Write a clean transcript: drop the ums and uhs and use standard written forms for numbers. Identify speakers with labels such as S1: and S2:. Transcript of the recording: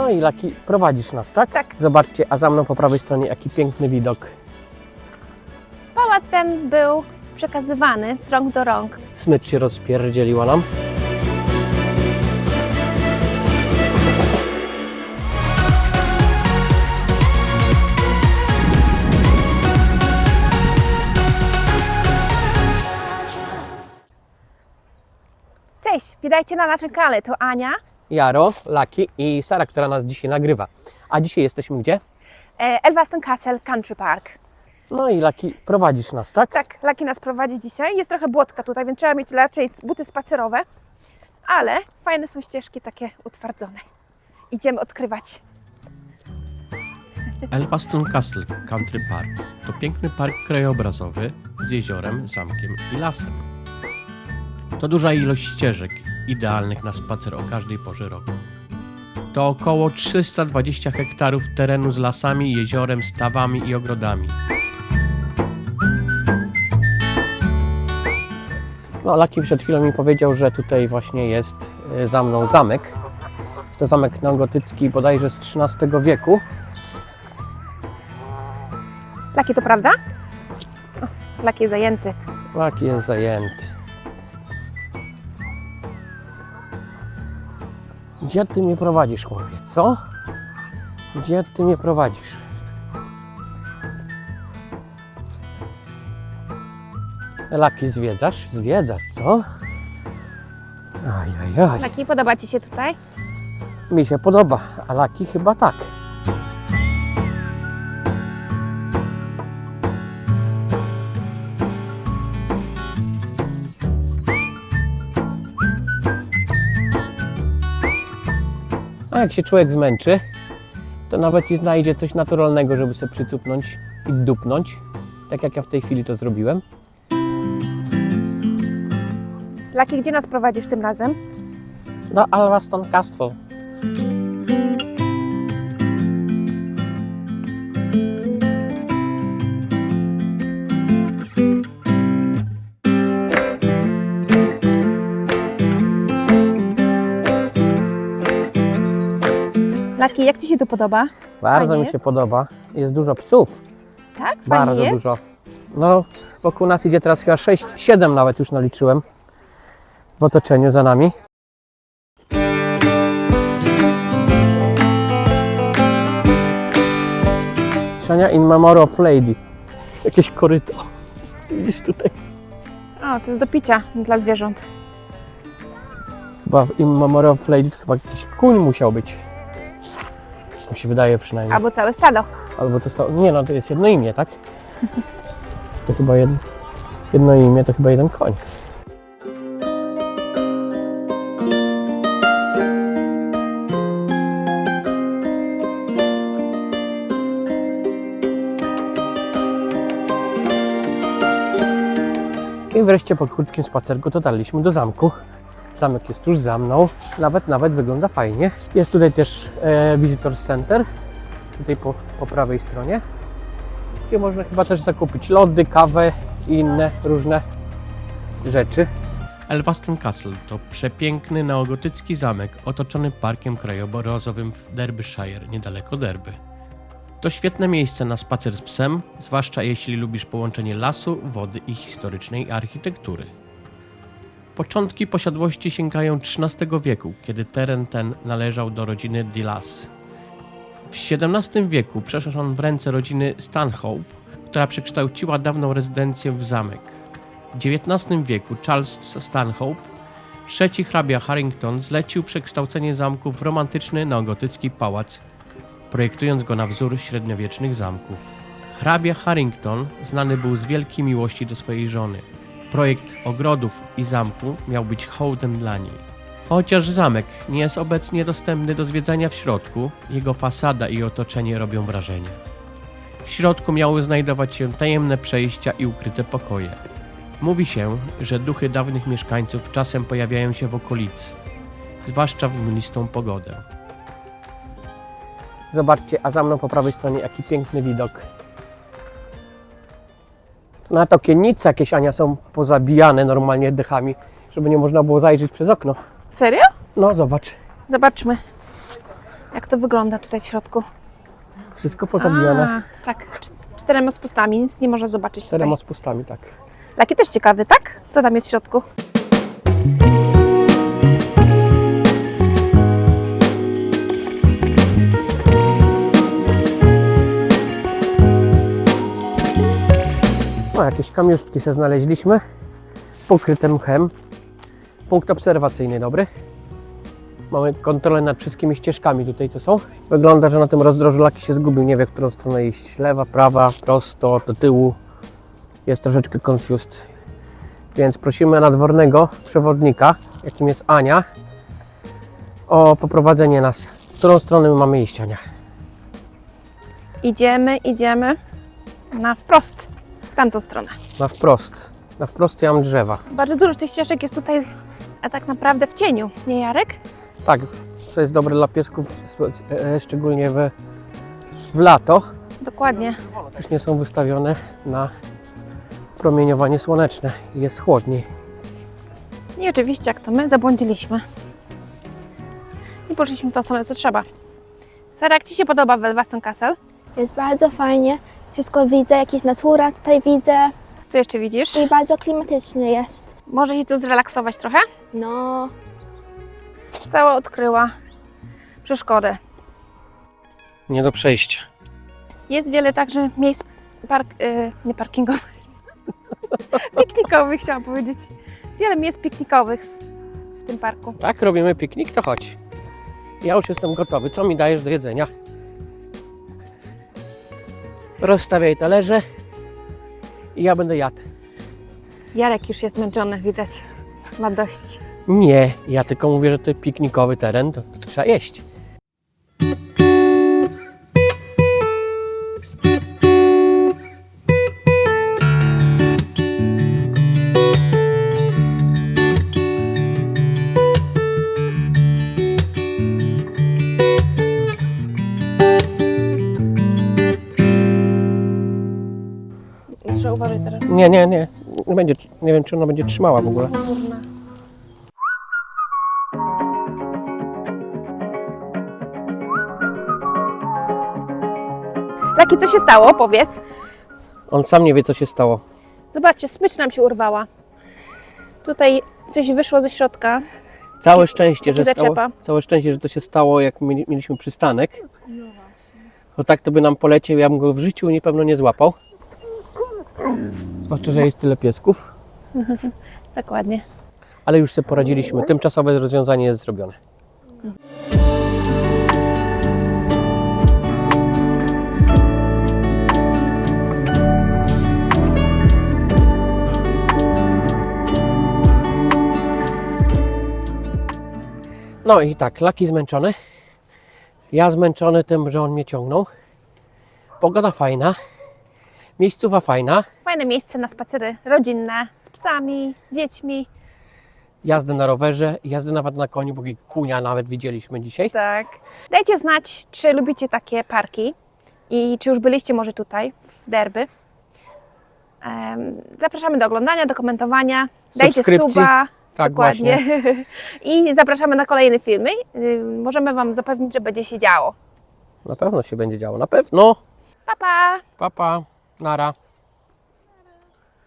S1: No i Laki, prowadzisz nas, tak?
S2: Tak.
S1: Zobaczcie, a za mną po prawej stronie jaki piękny widok.
S2: Pałac ten był przekazywany z rąk do rąk.
S1: Smycz się rozpierdzieliła nam.
S2: Cześć, witajcie na naszym kanale. To Ania,
S1: Jaro, Laki i Sara, która nas dzisiaj nagrywa. A dzisiaj jesteśmy gdzie?
S2: Elvaston Castle Country Park.
S1: No i Laki, prowadzisz nas, tak?
S2: Tak, Laki nas prowadzi dzisiaj. Jest trochę błotka tutaj, więc trzeba mieć raczej buty spacerowe, ale fajne są ścieżki takie utwardzone. Idziemy odkrywać.
S3: Elvaston Castle Country Park to piękny park krajobrazowy z jeziorem, zamkiem i lasem. To duża ilość ścieżek, idealnych na spacer o każdej porze roku. To około 320 hektarów terenu z lasami, jeziorem, stawami i ogrodami.
S1: No, Laki przed chwilą mi powiedział, że tutaj właśnie jest za mną zamek. Jest to zamek neogotycki bodajże z XIII wieku.
S2: Laki, to prawda? O, Laki jest zajęty.
S1: Laki jest zajęty. Gdzie ty mnie prowadzisz, chłopie, co? Gdzie ty mnie prowadzisz? Laki, zwiedzasz? Zwiedzasz, co? Ajajaj.
S2: Laki, podoba Ci się tutaj?
S1: Mi się podoba, a Laki chyba tak. A jak się człowiek zmęczy, to nawet i znajdzie coś naturalnego, żeby sobie przycupnąć i dupnąć. Tak jak ja w tej chwili to zrobiłem.
S2: Laki, gdzie nas prowadzisz tym razem?
S1: Do Elvaston Castle.
S2: Laki, jak Ci się tu podoba?
S1: Bardzo
S2: Fajnie
S1: mi się
S2: jest?
S1: podoba. Jest dużo psów.
S2: Tak? Fajnie
S1: Bardzo
S2: jest?
S1: dużo. No, wokół nas idzie teraz chyba 6, 7 nawet już naliczyłem w otoczeniu za nami. Szania in memory of lady. Jakieś koryto. Widzisz tutaj?
S2: O, to jest do picia dla zwierząt.
S1: Chyba w in memory of lady to chyba jakiś kuń musiał być. Mi się wydaje przynajmniej.
S2: Albo całe stado.
S1: Albo to stało. Nie no, to jest jedno imię, tak? To chyba jedno imię, to chyba jeden koń. I wreszcie po krótkim spacerku dotarliśmy do zamku. Zamek jest tuż za mną. Nawet wygląda fajnie. Jest tutaj też Visitor Center. Tutaj po prawej stronie. Gdzie można chyba też zakupić lody, kawę i inne różne rzeczy.
S3: Elvaston Castle to przepiękny neogotycki zamek otoczony parkiem krajobrazowym w Derbyshire, niedaleko Derby. To świetne miejsce na spacer z psem, zwłaszcza jeśli lubisz połączenie lasu, wody i historycznej architektury. Początki posiadłości sięgają XIII wieku, kiedy teren ten należał do rodziny Delas. W XVII wieku przeszedł on w ręce rodziny Stanhope, która przekształciła dawną rezydencję w zamek. W XIX wieku Charles Stanhope, trzeci hrabia Harrington, zlecił przekształcenie zamku w romantyczny neogotycki pałac, projektując go na wzór średniowiecznych zamków. Hrabia Harrington znany był z wielkiej miłości do swojej żony. Projekt ogrodów i zamku miał być hołdem dla niej. Chociaż zamek nie jest obecnie dostępny do zwiedzania w środku, jego fasada i otoczenie robią wrażenie. W środku miały znajdować się tajemne przejścia i ukryte pokoje. Mówi się, że duchy dawnych mieszkańców czasem pojawiają się w okolicy, zwłaszcza w mglistą pogodę.
S1: Zobaczcie, a za mną po prawej stronie jaki piękny widok. Na to okiennice jakieś, Ania, są pozabijane normalnie dechami, żeby nie można było zajrzeć przez okno.
S2: Serio?
S1: No zobacz.
S2: Zobaczmy. Jak to wygląda tutaj w środku?
S1: Wszystko pozabijane.
S2: A, tak, 4 spustami, nic nie można zobaczyć tutaj.
S1: 4 spustami, tak.
S2: Laki też ciekawy, tak? Co tam jest w środku?
S1: No, jakieś kamiuszki se znaleźliśmy, pokryte mchem. Punkt obserwacyjny dobry. Mamy kontrolę nad wszystkimi ścieżkami tutaj, co są. Wygląda, że na tym rozdrożu Laki się zgubił, nie wie, w którą stronę iść. Lewa, prawa, prosto, do tyłu. Jest troszeczkę confused. Więc prosimy nadwornego przewodnika, jakim jest Ania, o poprowadzenie nas. W którą stronę my mamy iść, Ania?
S2: Idziemy na wprost, w tamtą stronę.
S1: Na wprost. Na wprost ja mam drzewa.
S2: Bardzo dużo tych ścieżek jest tutaj, a tak naprawdę w cieniu, nie Jarek?
S1: Tak, co jest dobre dla piesków, szczególnie w lato.
S2: Dokładnie.
S1: Też nie są wystawione na promieniowanie słoneczne i jest chłodniej.
S2: I oczywiście, jak to my, zabłądziliśmy. I poszliśmy w tą stronę, co trzeba. Sara, jak Ci się podoba Welwaston Castle?
S4: Jest bardzo fajnie. Wszystko widzę, jakieś natura tutaj widzę
S2: Co jeszcze widzisz?
S4: i bardzo klimatycznie jest.
S2: Może się tu zrelaksować trochę?
S4: No,
S2: Cała odkryła przeszkodę.
S1: Nie do przejścia.
S2: Jest wiele także miejsc nie parkingowych, piknikowych chciałam powiedzieć. Wiele miejsc piknikowych w tym parku.
S1: Tak, robimy piknik, to chodź. Ja już jestem gotowy. Co mi dajesz do jedzenia? Rozstawiaj talerze i ja będę jadł.
S2: Jarek już jest zmęczony, widać. Ma dość.
S1: Nie, ja tylko mówię, że to piknikowy teren, to trzeba jeść.
S2: Trzeba uważać teraz.
S1: Nie będzie, nie wiem, czy ona będzie trzymała w ogóle.
S2: Laki, co się stało? Powiedz.
S1: On sam nie wie, co się stało.
S2: Zobaczcie, smycz nam się urwała. Tutaj coś wyszło ze środka.
S1: Całe szczęście, że
S2: zaczepa.
S1: całe szczęście, że to się stało, jak mieliśmy przystanek. Bo tak to by nam poleciał, ja bym go w życiu pewno nie złapał. Zwłaszcza, że jest tyle piesków.
S2: Dokładnie.
S1: Ale już sobie poradziliśmy. Tymczasowe rozwiązanie jest zrobione. No i tak, Laki zmęczony. Ja zmęczony tym, że on mnie ciągnął. Pogoda fajna. Miejscowa fajna.
S2: Fajne miejsce na spacery rodzinne, z psami, z dziećmi.
S1: Jazdę na rowerze, jazdę nawet na koniu, bo kunia nawet widzieliśmy dzisiaj.
S2: Tak. Dajcie znać, czy lubicie takie parki i czy już byliście może tutaj, w Derby. Zapraszamy do oglądania, do komentowania. Dajcie
S1: Subskrypcji.
S2: suba.
S1: Tak,
S2: Dokładnie.
S1: właśnie.
S2: I zapraszamy na kolejne filmy. Możemy Wam zapewnić, że będzie się działo.
S1: Na pewno się będzie działo, na pewno.
S2: Pa, pa!
S1: Pa, pa. Nara.